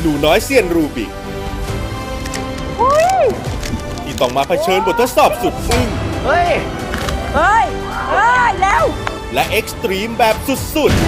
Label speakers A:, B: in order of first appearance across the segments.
A: นูน้อยเซียนรูบิกที่ต้องมาเผชิญบททดสอบสุดอึ้ง
B: เฮ้ยแล้ว
A: และเอ็กซ์ตรีมแบบสุด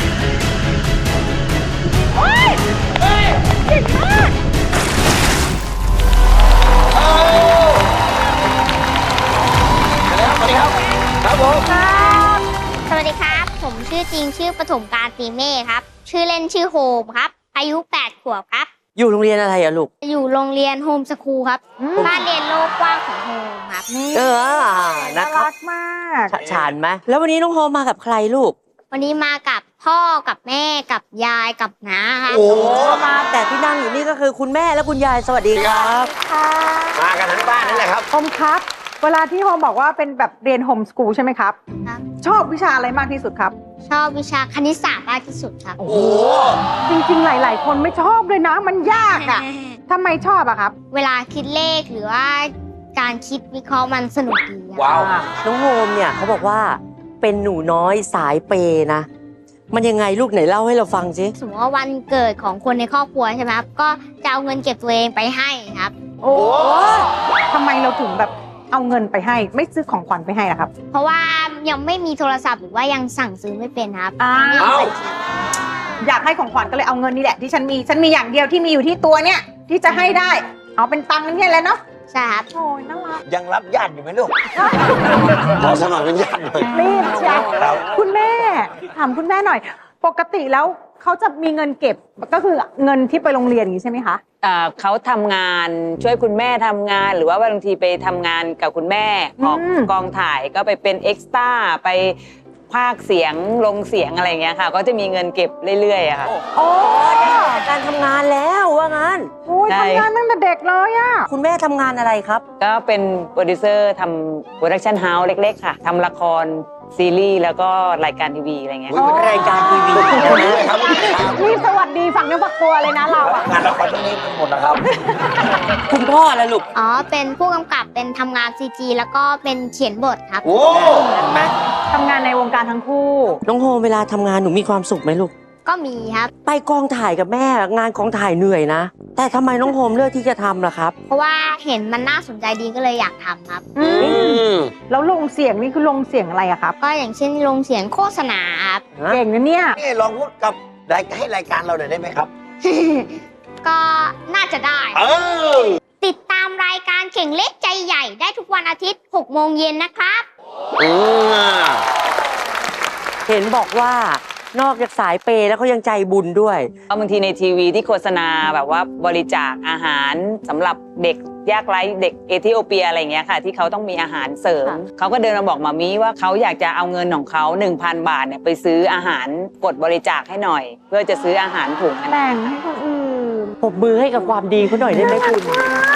B: สวัสดีครับครับผม
C: สวัสดีครับ ผมชื่อจริงชื่อปฐมกาลตีเม่ครับ ชื่อเล่นชื่อโฮมครับ อายุ 8 ขวบครับ
D: อยู่โรงเรียนอะไรอะลูก
C: อยู่โรงเรียนโฮมสคูลครับ บ้านเรียนโลกกว้างของโฮมครับ
D: นะครับ
E: รักมาก
D: ฉานไหมแล้ววันนี้น้องโฮมมากับใครลูก
C: วันนี้มากับพ่อกับแม่กับยายกับน้าครับ
D: โอ้มาแต่ที่นั่งอยู่นี่ก็คือคุณแม่และคุณยายสวัสดีครับ
E: ค่ะ
B: มากันทั้งบ้านนั่นแหละครับ
E: โฮมครับ เวลาที่โฮมบอกว่าเป็นแบบเรียนโฮมสกูลใช่ไหมครับ
C: ครับ
E: ชอบวิชาอะไรมากที่สุดครับ
C: ชอบวิชาคณิตศาสตร์มากที่สุดครับ
B: โอ้โห
E: จริงๆ หลาย ๆ คนไม่ชอบเลยนะ มันยากอะทำไมชอบอะครับ
C: เวลาคิดเลขหรือว่าการคิดวิเคราะห์มันสนุกดีครับ
B: ว้าว
D: น้องโฮมเนี่ยเขาบอกว่าเป็นหนูน้อยสายเปย์นะ มันยังไงลูกไหนเล่าให้เราฟังสิ
C: สมมติว่าวันเกิดของคนในครอบครัวใช่ไหมครับ ก็จะเอาเงินเก็บตัวเองไปให้ครับ
E: โอ้ทำไมเราถึงแบบเอาเงินไปให้ ไม่ซื้อของขวัญไปให้ล่ะครับ
C: เพราะว่ายังไม่มีโทรศัพท์หรือว่ายังสั่งซื้อไม่เป็นครับ
E: อ้าว
C: ไม่มีบัญชี
E: อยากให้ของขวัญก็เลยเอาเงินนี่แหละที่ฉันมีอย่างเดียวที่มีอยู่ที่ตัวเนี่ยที่จะให้ได้ เอาเป็นตังค์นี่แหละเนาะ
C: ใช่ครับ
E: โอ้ยน่ารัก
B: ยังรับญาติอยู่ไหมลูกขอสมัครเป็นญาติหน่อย
E: รีบเชียว
B: ครับ
E: คุณแม่ถามคุณแม่หน่อย ปกติแล้วเขาจะมีเงินเก็บก็คือเงินที่ไปโรงเรียนอย่างนี้ใช่ไหมคะ
F: เขาทำงานช่วยคุณแม่ทำงาน หรือว่าบางทีไปทำงานกับคุณแม่ออกกองถ่ายก็ไปเป็นเอ็กซ์ตร้าไปพากย์เสียงลงเสียงอะไรอย่างเงี้ยค่ะ ก็จะมีเงินเก็บเรื่อยๆอะค่ะ
E: โอ้
D: การทำงานแล้วว่างั้น
E: โอ้ย
F: ใช่
E: ทำงานตั้งแต่เด็กเลยอะ
D: คุณแม่ทำงานอะไรครับ
F: ก็เป็นโปรดิวเซอร์ทำโปรดักชันเฮาส์เล็กๆค่ะทำละครซีรีส์แล้วก็รายการทีวีอะไรเงี้ย
B: อุ๊ยเป็นรายการทีวีครับ
E: นี่สวัสดีฝั่งเนื้อฝักตัวเลยนะเราอะ
B: งานละครตรงนี้เป็นหมดนะครับ
D: คุณพ่อละลูก
C: อ๋อ เป็นผู้กำกับ เป็นทำงาน CG แล้วก็เป็นเขียนบทครับ
B: โอ้
D: เห็นไหม
E: ทำงานในวงการทั้งคู่
D: น้องโฮมเวลาทำงานหนูมีความสุขไหมลูก
C: ก็มีครับ
D: ไปกองถ่ายกับแม่งานกองถ่ายเหนื่อยนะ แต่ทำไมน้องโฮมเลือกที่จะทำล่ะครับ
C: เพราะว่าเห็นมันน่าสนใจดีก็เลยอยากทำครับ
E: อื
B: อื
E: ม
B: ม
E: แล้วลงเสียงนี่คือลงเสียงอะไรอะครับ
C: ก็อย่างเช่นลงเสียงโฆษณาครับ
E: เก่งนะเนี่ย
B: นี่ลองพูดกับให้รายการเราหน่อยได้ไหมครับ
C: ก็น่าจะได้
B: เออ
C: ติดตามรายการเข่งเล็กใจใหญ่ได้ทุกวันอาทิตย์ 6 โมงเย็นนะครับ
B: อืม
D: เห็นบอกว่านอกจากสายเปย์แล้วเขายังใจบุญด้วย
F: บางทีในทีวีที่โฆษณาแบบว่าบริจาคอาหารสำหรับเด็กยากไร้เด็กเอธิโอเปียอะไรอย่างเงี้ยค่ะ ที่เขาต้องมีอาหารเสริม
D: ค่ะ
F: เขาก็เดินมาบอกมามีว่าเขาอยากจะเอาเงินของเขา 1,000 บาทเนี่ยไปซื้ออาหารกดบริจาคให้หน่อย เพื่อจะซื้ออาหารถุงอันนั้น
E: แต่งให้คนอื่น
D: ปรบมือให้กับความดีเขาหน่อยได้ไหมคุณ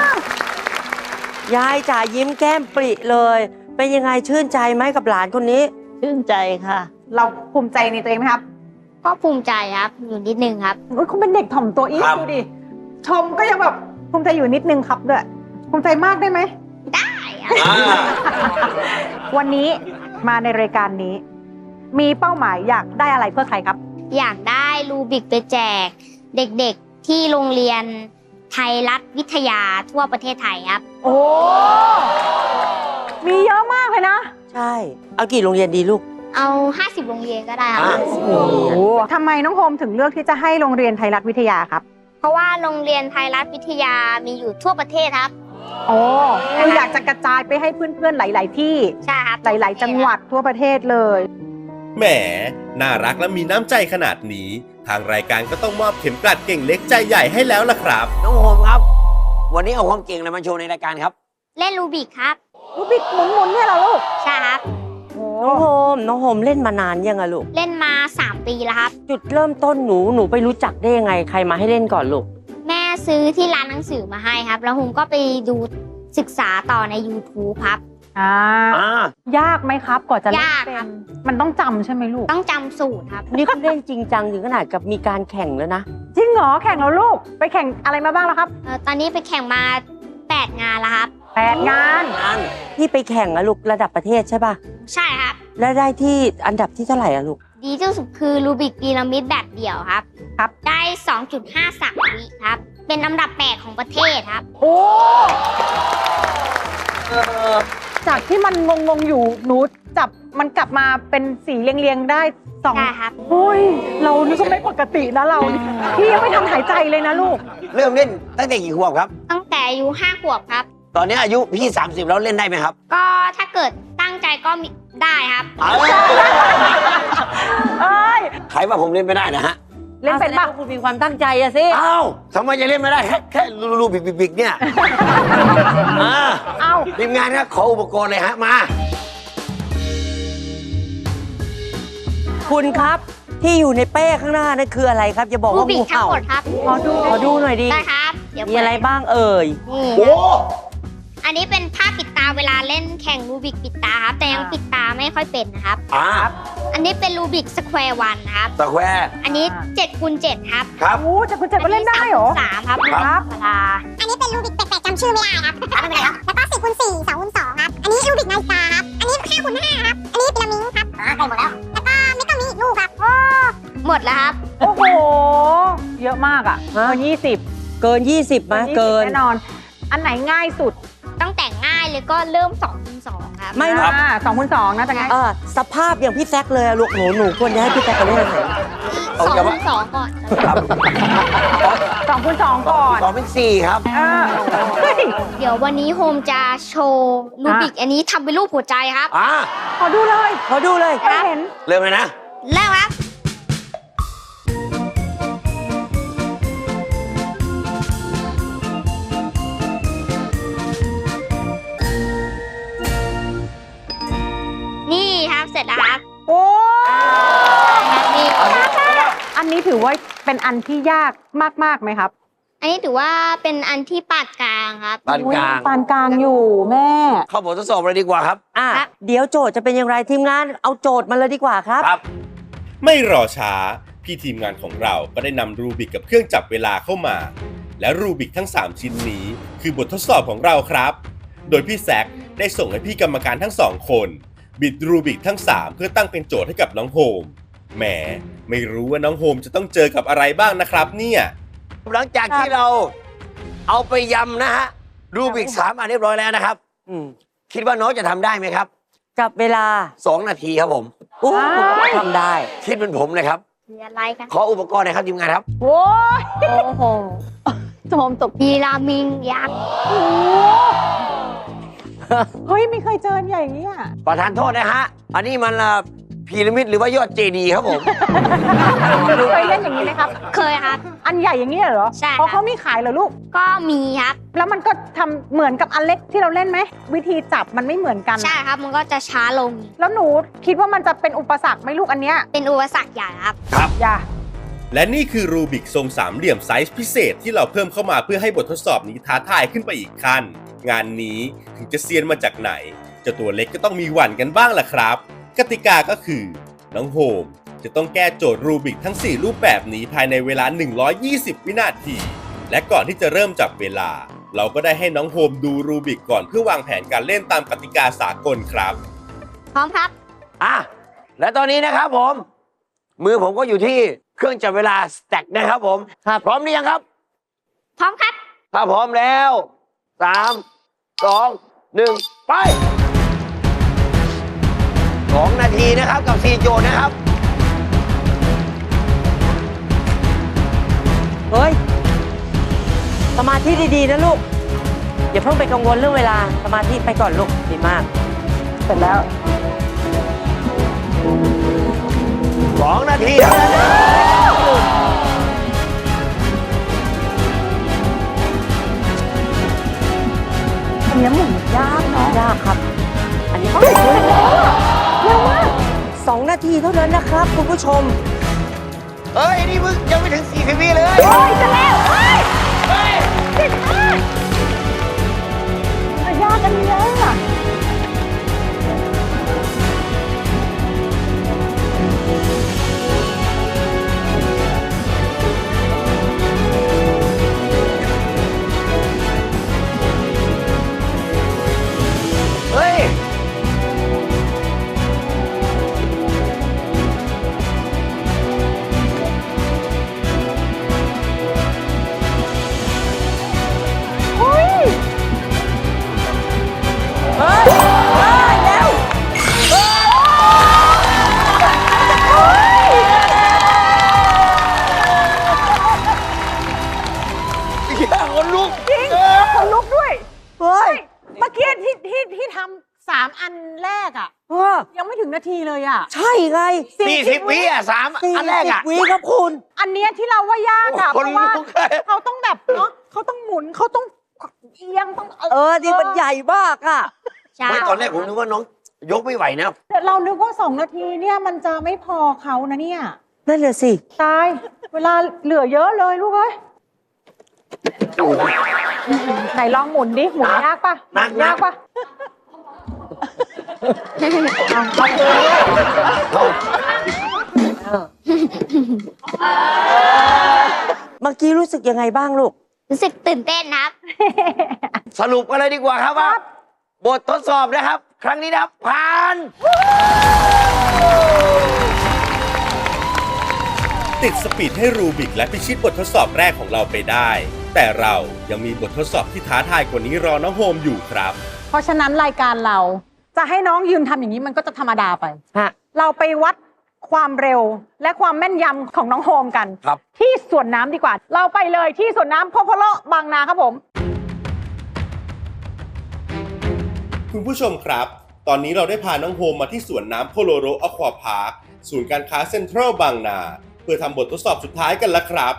D: ยายจ๋ายิ้มแก้มปริเลย เป็นยังไงชื่นใจไหมกับหลานคนนี้
G: ชื่นใจค่ะ
E: เราภูมิใจในตัวเองไหมครับ
C: ก็ภูมิใจครับ อยู่นิดนึงครับ
E: โอ้ยคุณเป็นเด็กถ่อมตัวอีก
B: ครับ
E: ดูดิ ชมก็ยังแบบภูมิใจอยู่นิดนึงครับด้วย ภูมิใจมากได้ไหม
C: ได้ครับ
B: อ่า
E: วันนี้มาในรายการนี้ มีเป้าหมายอยากได้อะไรเพื่อใครครับ
C: อยากได้รูบิกไปแจก เด็กๆที่โรงเรียนไทยรัฐวิทยาทั่วประเทศไทยครับ
E: โอ้ มีเยอะมากเลยนะ
D: ใช่ เอากี่โรงเรียนดีลูก
C: เอา 50 โรงเรียนก็ได้ครับ
B: อ่ะ
E: โอ้ทำไมน้องโฮมถึงเลือกที่จะให้โรงเรียนไทยรัฐวิทยาครับ
C: เพราะว่าโรงเรียนไทยรัฐวิทยามีอยู่ทั่วประเทศครับ
E: โอ้คืออยากจะกระจายไปให้เพื่อนๆหลาย ๆ ที่
C: ใช่ครับ
E: หลาย ๆ จังหวัดทั่วประเทศเลย
A: ๆ แหม น่ารักและมีน้ำใจขนาดนี้ ทางรายการก็ต้องมอบเข็มกลัดเก่งเล็กใจใหญ่ให้แล้วล่ะครับ
B: น้องโฮมครับ วันนี้เอาความเก่งอะไรมาโชว์ในรายการครับ
C: เล่นรูบิกครับ
E: รูบิกหมุนๆเนี่ยเหรอลูก
C: ใช่ครับ
D: น้องโฮม น้องโฮมเล่นมานานยังอะลูก
C: เล่นมา 3 ปีแล้วครับ
D: จุดเริ่มต้นหนูไปรู้จักได้ยังไง ใครมาให้เล่นก่อนลูก
C: แม่ซื้อที่ร้านหนังสือมาให้ครับ แล้วผมก็ไปดูศึกษาต่อใน YouTube ครับ
E: อ่า ยากไหมครับกว่าจะเล่น
C: ยาก
E: เป็
C: ครั
E: น
C: บ
E: มันต้องจำใช่ไหมลูก
C: ต้องจำสูตรครับ
D: นี่เขาเล่นจริงจังถึงขนาดกับมีการแข่งแล้วนะ
E: จริงเหรอแข่งแล้วลูก ไปแข่งอะไรมาบ้างแล้วครับ
C: ตอนนี้ไปแข่งมา 8 งานแล้วครับ
E: 8 งาน
D: นี่ไปแข่งอะลูกระดับประเทศใช่ป่ะ
C: ใช่ครับ
D: แล้วได้ที่อันดับที่เท่าไหร่อะลูก
C: ดีที่สุดคือรูบิกพีระมิดแบบเดี่ยวครับ
E: ครับ
C: ได้ 2.53 วิครับ เป็นอันดับ8ของประเทศครับ
E: โอ้จากที่มันงงๆอยู่หนูจับมันกลับมาเป็นสีเรียงๆได้สอง
C: ใช่ครับ
E: โอ้ยเรานี่ก็ไม่ปกตินะเรานี่พี่ยังไม่ทันหายใจเลยนะลูก
B: เริ่มเล่นตั้งแต่กี่ขวบครับ
C: ตั้งแต่อายุ5 ขวบครับ
B: ตอนนี้อายุพี่ 30 แล้วเล่นได้ไหมครับ
C: ก็ถ้าเกิดตั้งใจก็มีได้ครับ
B: เอา
E: เอ้ย
B: ใครว่าผมเล่นไม่ได้นะฮะ
E: เล่นเป็น
D: ปะ
E: ปะ
D: คุณมีความตั้งใจอะสิ
B: อ้าวทำไมจะเล่นไม่ได้แค่รูบิกเนี่ยอ่า
E: เอ้า
B: ทีมงานครับขออุปกรณ์เลยฮะมา
D: คุณครับที่อยู่ในเป้ข้างหน้านั่นคืออะไรครับอย่าบอก
C: รู
D: ว่า
C: บิ
D: งู
C: กทั้ง
D: เห่า
C: หมดครับ
E: ขอดู
D: ขอดูหน่อยดิ
C: ได้ครับ เดี๋ยว
D: มีอะไรบ้างเอ่ย
C: นี่
B: โอ้
C: อันนี้เป็นผ้าปิดตาเวลาเล่นแข่งรูบิกปิดตาครับ แต่ยังปิดตาไม่ค่อยเป็นนะครับ
B: อ่า
C: อันนี้เป็นรูบิกสแควร์วันครับ
B: ตะแควร์
C: อันนี้7 คูณ 7 ครับ
B: ครับ
E: โอ้จะคุณเจ็บก็เล่นได้เหรอ
C: สามครับ
B: ครับ
C: ธรรมดา
G: อันนี้เป็นรูบิกแปลกๆจำชื่อไม่ได้ครับไม่เป็นไรครับ แล้วก็4คูณ4 2คูณ2ครับ อันนี้รูบิกนาฬิกาครับ อันนี้5คูณ5ครับ อันนี้พีระมิดครับใกล้หมดแล้ว แล้วก็ไม่ต้องมีอีกลูกครับ
C: หมดแล้วครับ
E: โอ้โห เยอะมากอ่ะ
D: ฮะ
E: เกิน20
D: เกิน 20ไหมเกิน
E: แน่นอน อันไหนง่ายสุด
C: ตั้งแต่ง่ายเลยก็เริ่ม2คูณ2ครับ
D: ไม่หรอก
E: 2คูณ2น่าจะง่าย
D: สภาพอย่างพี่แซกเลยอะลูกหนูควรจะให้พี่แซกไปเล่นอันไหน
B: เอา
C: 2
B: อย่า
C: คู
B: ว่า
C: ณ2ก่อน
B: ครับ
E: 2คูณ2ก่อน
B: สองเป็น4ครับ
E: เฮ้ย
C: เดี๋ยววันนี้โฮมจะโชว์รูบิกอันนี้ทำเป็นรูปหัวใจครับ
B: อ่า
E: ขอดูเลย
D: ขอดูเลย
E: ไม่เห็น
B: เริ่มเลยนะ
C: แล้วครับ นี่ครับเสร็จแล้วครับ
E: โอ้
C: นี่
E: อันนี้ถือว่าเป็นอันที่ยากมากๆไหมครับ
C: อันนี้ถือว่าเป็นอันที่ปาดกลางครับ
B: ปานกลาง
E: ปานกลางอยู่แม่
B: เข้าบททดสอบเลยดีกว่าครับ
C: ครับ
D: เดี๋ยวโจทย์จะเป็นอย่างไรทีมงานเอาโจทย์มาเลยดีกว่าครับ
B: ครับ
A: ไม่รอช้า พี่ทีมงานของเราก็ได้นำรูบิกกับเครื่องจับเวลาเข้ามา และรูบิกทั้ง 3 ชิ้นนี้ คือบททดสอบของเราครับ โดยพี่แซคได้ส่งให้พี่กรรมการทั้ง 2 คน บิดรูบิกทั้ง 3 เพื่อตั้งเป็นโจทย์ให้กับน้องโฮมแหมไม่รู้ว่าน้องโฮมจะต้องเจอกับอะไรบ้างนะครับเนี่ย
B: หลังจากที่เราเอาไปยำนะฮะรูบิก3อันเรียบร้อยแล้วนะครับ
D: อืม
B: คิดว่าน้องจะทำได้ไหมครับ
D: จับเวลา
B: 2 นาทีครับผม
D: โอ้ทำได้
B: คิดเป็นผมเลยครับ
C: มีอะไรกัน
B: ขออุปกรณ์หน่อยครับทีมงานครับ
E: โอ้ย
C: โอ้โห
E: โจมตก
C: พีรามิงยักษ์
E: โอ้เฮ้ย ไม่เคยเจออย่างนี้อ่ะ
B: ประธานโทษนะฮะ อันนี้มันพีระมิดหรือว่ายอดเจดีย์ครับผม
E: เคยเล่นอย่างนี้ไหมครับ
C: เคยครับ
E: อันใหญ่อย่างนี้เหรอ
C: ใช่ครับ
E: อ๋อเขามีขายเหรอลูก
C: ก็มีครับ
E: แล้วมันก็ทำเหมือนกับอันเล็กที่เราเล่นไหม วิธีจับมันไม่เหมือนกัน
C: ใช่ครับ มันก็จะช้าลง
E: แล้วหนูคิดว่ามันจะเป็นอุปสรรคไหมลูกอันเนี้ย
C: เป็นอุปสรรคใหญ่ครับ
E: อย่า
A: และนี่คือรูบิกทรงสามเหลี่ยมไซส์พิเศษที่เราเพิ่มเข้ามาเพื่อให้บททดสอบนี้ท้าทายขึ้นไปอีกขั้น งานนี้ถึงจะเซียนมาจากไหนเจ้าตัวเล็กก็ต้องมีหวั่นกันบ้างล่ะครับ กติกาก็คือน้องโฮมจะต้องแก้โจทย์รูบิกทั้ง 4 รูปแบบนี้ภายในเวลา 120 วินาที และก่อนที่จะเริ่มจับเวลา เราก็ได้ให้น้องโฮมดูรูบิกก่อนเพื่อวางแผนการเล่นตามกติกาสากลครับ
C: พร้อมครับ
B: อ่ะ และตอนนี้นะครับผม มือผมก็อยู่ที่เครื่องจับเวลาสแต็กนะครับผม
D: ครับ
B: พร้อมหรือยังครับ
C: พร้อมครับ
B: ถ้าพร้อมแล้ว 3 2 1 ไป 2 นาทีนะครับกับ 4 โจทย์นะครับ
D: เฮ้ย สมาธิดีๆนะลูก อย่าเพิ่งไปกังวลเรื่องเวลา สมาธิไปก่อนลูกดีมาก
E: เสร็จแล้ว
B: 2 นาทีเท่านั้นนะ
E: อันนี้หมุนยากเนาะ
D: ยากครับ อันนี้
E: เร็วมาก
D: 2 นาทีเท่านั้นนะครับคุณผู้ชม
B: เฮ้ย นี่มึงยังไม่ถึง40วิเลย
E: โอ้ยจะแล้วเฮ้ย
B: เฮ้ย
E: มันยากกันเยอะอะ
B: เฮ้ยนลุก
E: จริงคนลุกด้วย
D: เฮ้ย
E: เมื่อกี้ที่ทำ3 อันแรกอ่ะ
D: เออ
E: ยังไม่ถึงนาทีเลยอ่ะ
D: ใช่ไง
B: 40 วิอ่ะ3 อันแรกอ่ะ
D: 40 วิครับคุณ
E: อันเนี้ยที่เราว่ายากอ่ะ
B: โอ้
E: เพ
B: โห
E: ราะว่า
B: คนลุกเลย
E: เขาต้องแบบเนาะเขาต้องหมุนเขาต้องเอียงต้อง
D: นี่มันใหญ่มากอ่ะ
C: ใช่
B: ไม่ตอนแรกผมนึกว่าน้องยกไม่ไหวนะ
E: เรานึกว่า2 นาทีเนี่ยมันจะไม่พอเขานะเนี่ย
D: นั่นแหละสิ
E: ตาย เวลาเหลือเยอะเลยลูกเอ้ยไหนลองหมุนดิหมุนยากปะ
B: หนัก
E: ยากปะ
D: เมื่อกี้รู้สึกยังไงบ้างลูก
C: รู้สึกตื่นเต้นครับ
B: สรุปกันเลยดีกว่าครับว่าบททดสอบนะครับ ครั้งนี้นะครับผ่าน
A: ติดสปีดให้รูบิกและพิชิตบททดสอบแรกของเราไปได้ แต่เรายังมีบททดสอบที่ท้าทายกว่านี้รอน้องโฮมอยู่ครับ
E: เพราะฉะนั้นรายการเราจะให้น้องยืนทำอย่างนี้มันก็จะธรรมดาไป
D: ฮะ
E: เราไปวัดความเร็วและความแม่นยำของน้องโฮมกัน
B: ครับ
E: ที่สวนน้ำดีกว่า เราไปเลยที่สวนน้ำพ่อพะเลาะบางนาครับผม
A: คุณผู้ชมครับ ตอนนี้เราได้พาน้องโฮมมาที่สวนน้ำโพโลโรอควาพาร์ค ศูนย์การค้าเซ็นทรัลบางนา เพื่อทำบททดสอบสุดท้ายกันแล้วครับ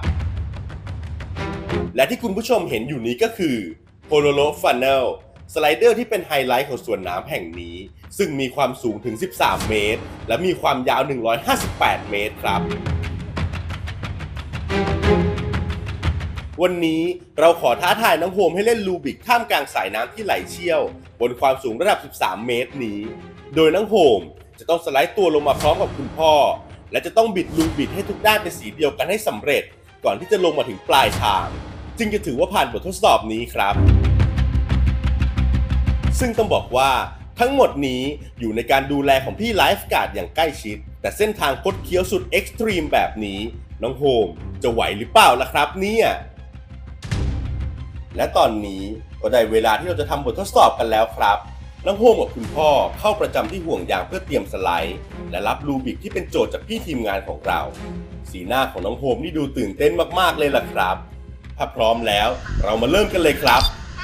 A: และที่คุณผู้ชมเห็นอยู่นี้ก็คือโพโลโรฟันเนลสไลเดอร์ที่เป็นไฮไลท์ของสวนน้ำแห่งนี้ ซึ่งมีความสูงถึง 13 เมตร และมีความยาว 158 เมตรครับ วันนี้เราขอท้าทายน้องโฮมให้เล่นลูบิกท่ามกลางสายน้ำที่ไหลเชี่ยว บนความสูงระดับ 13 เมตรนี้ โดยน้องโฮมจะต้องสไลด์ตัวลงมาพร้อมกับคุณพ่อ และจะต้องบิดลูบิกให้ทุกด้านเป็นสีเดียวกันให้สำเร็จ ก่อนที่จะลงมาถึงปลายทาง จึงจะถือว่าผ่านบททดสอบนี้ครับ ซึ่งต้องบอกว่าทั้งหมดนี้อยู่ในการดูแลของพี่ไลฟ์การ์ดอย่างใกล้ชิด แต่เส้นทางคดเคี้ยวสุดเอ็กซ์ตรีมแบบนี้น้องโฮมจะไหวหรือเปล่าล่ะครับเนี่ยและตอนนี้ก็ได้เวลาที่เราจะทำบททดสอบกันแล้วครับน้องโฮมกับคุณพ่อเข้าประจำที่ห่วงยางเพื่อเตรียมสไลด์และรับลูบิกที่เป็นโจทย์จากพี่ทีมงานของเราสีหน้าของน้องโฮมนี่ดูตื่นเต้นมากๆเลยล่ะครับถ้าพร้อมแล้วเรามาเริ่มกันเลยครับ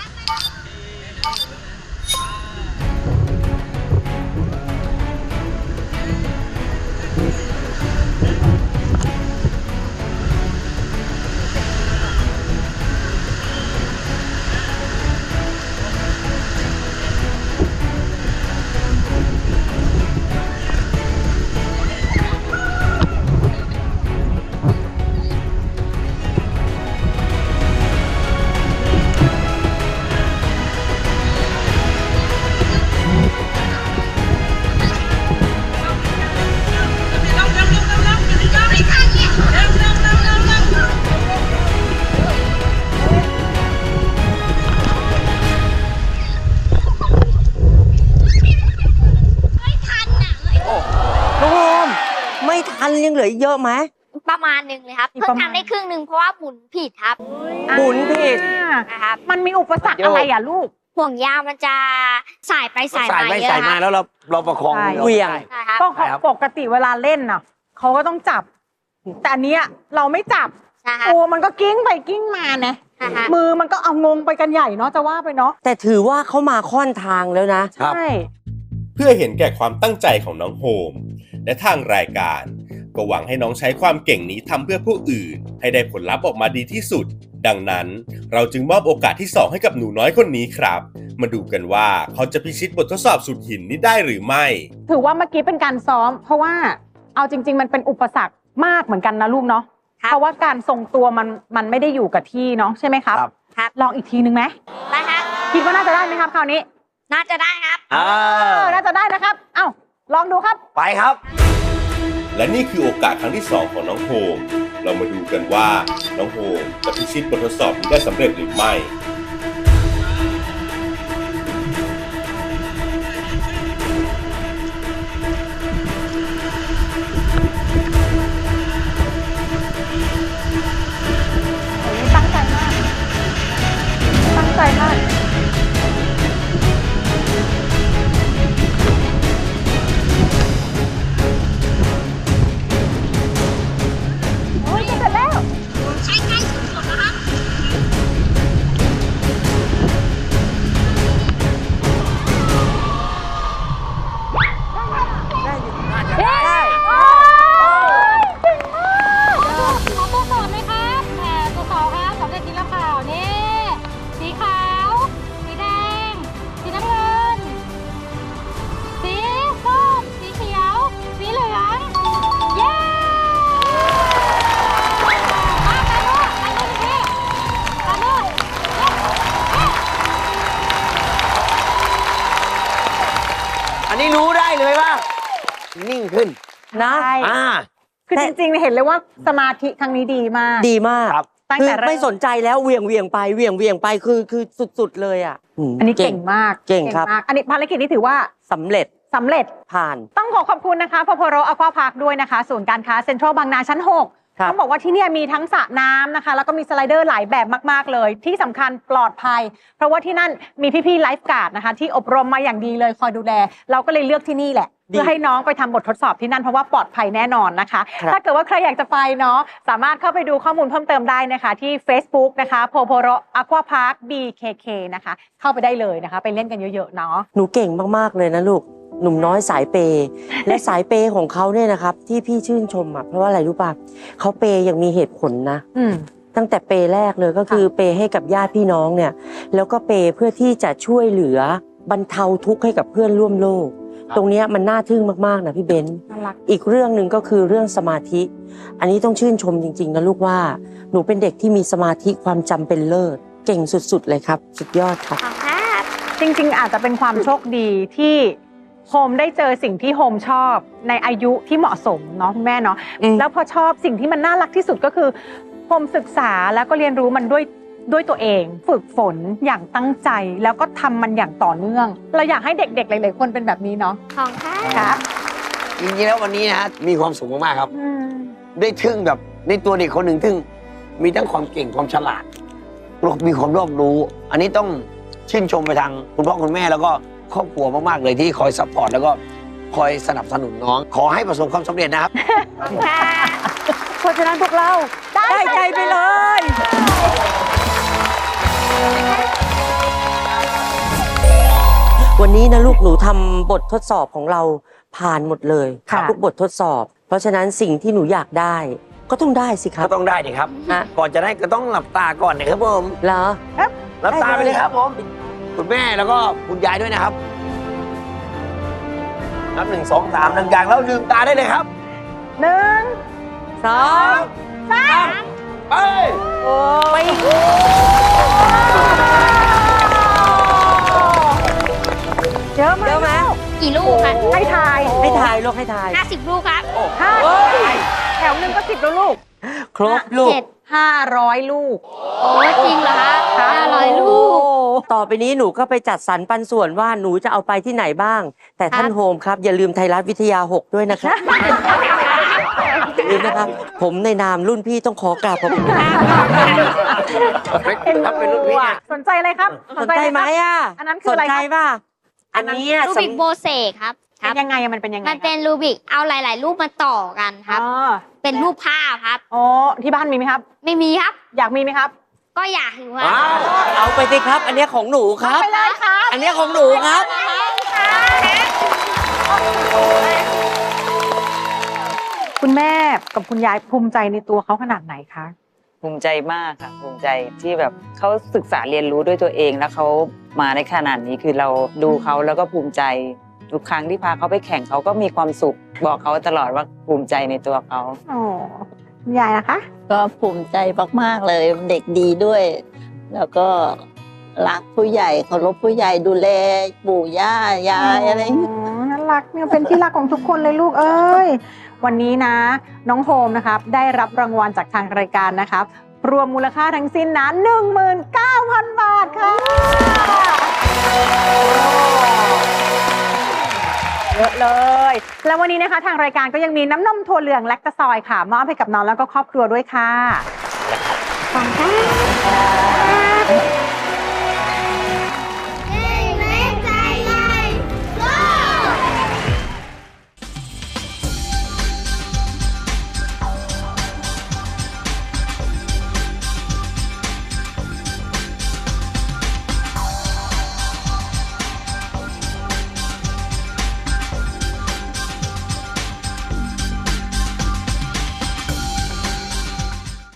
D: น้องโฮมไม่ทันยังเหลืออีกเยอะไหม
C: ประมาณหนึ่งเลยครับ
E: อีก
C: เพิ่
E: ประ
C: ง
E: มาณ
C: ทำได้ครึ่งหนึ่งเพราะว่าหมุนผิดครับ
D: หมุนผิด
C: นะครับ
E: มันมีอุปสรรคอะไรอ่ะลูก
C: ห่วงยางมันจะสายไปสาย
B: สาย
C: มา
B: ไป
C: เยอะ
B: สาย
C: ค
B: มา
C: รับ
B: แล้วเราประคอง
E: ใช่
D: เหวี่ยง
C: ใช่ครับ
E: ก็
B: ใช่ครับ
E: ปกติเวลาเล่นน่ะเขาก็ต้องจับ แต่อันเนี้ยเราไม่จับ
C: ใช่ครับ
E: ตัวมันก็กิ้งไปกิ้งมานะ
C: ใช่ครับ
E: มือมันก็เอางงไปกันใหญ่เนาะจะว่าไปเนาะ
D: แต่ถือว่าเขามาค่อนทางแล้วนะ
B: ครับ
E: ใช่
A: เพื่อเห็นแก่ความตั้งใจของน้องโฮมและทางรายการก็หวังให้น้องใช้ความเก่งนี้ทำเพื่อผู้อื่น ให้ได้ผลลัพธ์ออกมาดีที่สุด ดังนั้นเราจึงมอบโอกาสที่ 2 ให้กับหนูน้อยคนนี้ครับ มาดูกันว่าเขาจะพิชิตบททดสอบสุดหินนี้ได้หรือไม่
E: ถือว่าเมื่อกี้เป็นการซ้อม เพราะว่าเอาจริง ๆ มันเป็นอุปสรรคมากเหมือนกันนะลูกเนาะ
C: ครับ
E: เพราะว่าการทรงตัวมันไม่ได้อยู่กับที่เนาะใช่ไหมครับ
B: ครับ
C: ครับ
E: ลองอีกทีนึงไหม
C: นะครับ
E: คิดว่าน่าจะได้ไหมครับคราวนี้
C: น่าจะได้ครับ
E: น่าจะได้นะครับ เอ้าลองดูครับ
B: ไปครับ
A: และนี่คือโอกาสครั้งที่ 2 ของน้องโฮมเรามาดูกันว่าน้องโฮมจะพิชิตบททดสอบนี้ได้สำเร็จหรือไม่
E: ตั้งใจมาก ตั้งใจมาก โอ้ยจะเสร็จแล้ว
G: ใช้ใกล้สุดๆนะครับ
B: นิ่งขึ้น
D: นะ
E: ใช่
B: อ่า
E: คือจริงๆเห็นเลยว่าสมาธิครั้งนี้ดีมาก
D: ดีมาก
B: ครับ
E: ตั้ง
D: คือ
E: แต่เริ่ม
D: ไม่สนใจแล้วเหวี่ยงไปเหวี่ยงไปคือสุดๆเลยอ่ะ
E: อันนี้เก่งมาก
D: เก่งครับ
E: มากอันนี้ภารกิจนี้ถือว่า
D: สำเร็จ
E: สำเร็จ
D: ผ่าน
E: ต้องขอบคุณนะคะพโพโรอควาพาร์คด้วยนะคะศูนย์การค้าเซ็นทรัลบางนาชั้น 6
D: ครับ
E: ต้องบอกว่าที่เนี่ยมีทั้งสระน้ำนะคะ แล้วก็มีสไลเดอร์หลายแบบมากๆเลย ที่สำคัญปลอดภัย เพราะว่าที่นั่นมีพี่ๆไลฟ์การ์ดนะคะ ที่อบรมมาอย่างดีเลยคอยดูแล เราก็เลยเลือกที่นี่แหละ เพื่อให้น้องไปทำบททดสอบที่นั่นเพราะว่าปลอดภัยแน่นอนนะคะ ถ้าเกิดว่าใครอยากจะไปเนาะสามารถเข้าไปดูข้อมูลเพิ่มเติมได้นะคะ ที่ Facebook นะคะโพโพโรอควาพาร์ค BKK นะคะเข้าไปได้เลยนะคะ ไปเล่นกันเยอะๆเนาะ
D: หนูเก่งมากๆเลยนะลูกหนุ่มน้อยสายเปย์และสายเปย์ของเขาเนี่ยนะครับที่พี่ชื่นชมอ่ะเพราะว่าอะไรรู้ป่ะเขาเปย์อย่างมีเหตุผลนะ
E: อืม
D: ตั้งแต่เปย์แรกเลยก็คือเปย์ให้กับญาติพี่น้องเนี่ยแล้วก็เปย์เพื่อที่จะช่วยเหลือบรรเทาทุกข์ให้กับเพื่อนร่วมโลก ตรงเนี้ยมันน่าทึ่งมากๆนะพี่เบนซ์
E: น่ารัก
D: อีกเรื่องหนึ่งก็คือเรื่องสมาธิ อันนี้ต้องชื่นชมจริงๆนะลูกว่าหนูเป็นเด็กที่มีสมาธิความจำเป็นเลิศเก่งสุดๆเลยครับสุดยอดครับ
C: ขอบครับ
E: จริงๆ อาจจะเป็นความโชคดีที่โฮมได้เจอสิ่งที่โฮมชอบในอายุที่เหมาะสมเนาะคุณแม่เนาะ
D: อืม
E: แล้วพอชอบสิ่งที่มันน่ารักที่สุดก็คือโฮมศึกษาแล้วก็เรียนรู้มันด้วยตัวเอง ฝึกฝนอย่างตั้งใจแล้วก็ทำมันอย่างต่อเนื่อง เราอยากให้เด็กๆหลายๆคนเป็นแบบนี้เนาะ
C: ขอบครับ
E: ครับ
B: จริงๆแล้ววันนี้นะฮะมีความสุขมากๆครับ
E: อืม
B: ได้ทึ่งแบบในตัวเด็กคนหนึ่งทึ่งมีทั้งความเก่งความฉลาดมีความรอบรู้ อันนี้ต้องชื่นชมไปทางคุณพ่อคุณแม่แล้วก็ครอบครัวมากๆเลยที่คอยซัพพอร์ตแล้วก็คอยสนับสนุนน้อง ขอให้ประสบความสำเร็จนะครับ
D: เพราะฉะนั้นพวกเราได้ใจไปเลย วันนี้นะลูกหนูทำบททดสอบของเราผ่านหมดเลย
E: ค่ะ
D: ทุกบททดสอบ เพราะฉะนั้นสิ่งที่หนูอยากได้ ก็ต้องได้สิครั
B: ก็
D: บ
B: ต้องได้ดิครับ
D: ฮะ
B: ก่อนจะได้ก็ต้องหลับตาก่อนนะครับผม
D: เหรอ
B: หลับตาไปเลยครับผม คุณแม่แล้วก็คุณยายด้วยนะครับ นับ1 2 3ดังๆแล้วลืมตาได้เลยครับ
E: หนึ่ง
D: สอง
B: ไป
D: ไป
E: เยอะไหม
D: เยอะไหม
C: กี่ลูกครับ
E: ให้ทาย
D: ให้ทายลูกให้ทาย
C: 50 ลูกครับ
E: ห้าแถวหนึ่งก็10แล้วลูก
D: ครบลูก
C: 7
E: 500 ลูก
C: โอ้จริงเหรอคะ500 ลูก
D: ต่อไปนี้หนูก็ไปจัดสรรปันส่วนว่าหนูจะเอาไปที่ไหนบ้าง แต่ท่านโฮมครับ อย่าลืมไทยรัฐวิทยา 6 ด้วยนะครับ ลืมนะครับ ผมในนามรุ่นพี่ต้องขอกราบขอบคุณครับ
B: ถ้าเป็นรุ่นพี่เนี่ย
E: สนใจอะไรครับ
D: สนใจไหมอ่ะ
E: อันนั้นคืออะไร
D: สนใจ
E: ครับ
D: ป่ะอันนี้อะ
C: รูบิกโบเซครับ
E: เป็นยังไงอะมันเป็นยังไง
C: มันเป็นรูบิกเอาหลาย ๆ รูปมาต่อกันครับ
E: อ๋อ
C: เป็นรูปภาพครับ
E: อ๋อที่บ้านมีไหมครับ
C: ไม่มีครับ
E: อยากมีไหมครับ
C: ก็อยากอยู่ครับ
B: อ้าว
D: เอาไปสิครับ อันนี้ของหนูครับ
E: ไปเลยครับ
D: อันนี้ของหนูครับ
E: คุณแม่กับคุณยายภูมิใจในตัวเขาขนาดไหนคะ
F: ภูมิใจมากค่ะภูมิใจที่แบบเขาศึกษาเรียนรู้ด้วยตัวเองแล้วเขามาในขนาดนี้คือเราดูเขาแล้วก็ภูมิใจทุกครั้งที่พาเขาไปแข่งเขาก็มีความสุขบอกเขาตลอดว่าภูมิใจในตัวเขา
E: อ๋อคุณยายนะคะ
H: ก็ภูมิใจมากๆเลยเด็กดีด้วย แล้วก็รักผู้ใหญ่เคารพผู้ใหญ่ดูแลปู่ย่ายายอะไรอย่างเงี้ย
E: น่ารักเนี่ยเป็นที่รักของทุกคนเลยลูกเอ้ย วันนี้นะ น้องโฮมนะครับได้รับรางวัลจากทางรายการนะครับ รวมมูลค่าทั้งสิ้นนะ 19,000 บาทค่ะเยอะเลย แล้ววันนี้นะคะทางรายการก็ยังมีน้ำนมถั่วเหลืองแลคตาซอยค่ะมอบให้กับน้องแล้วก็ครอบครัวด้วยค่ะขอบคุณค่ะ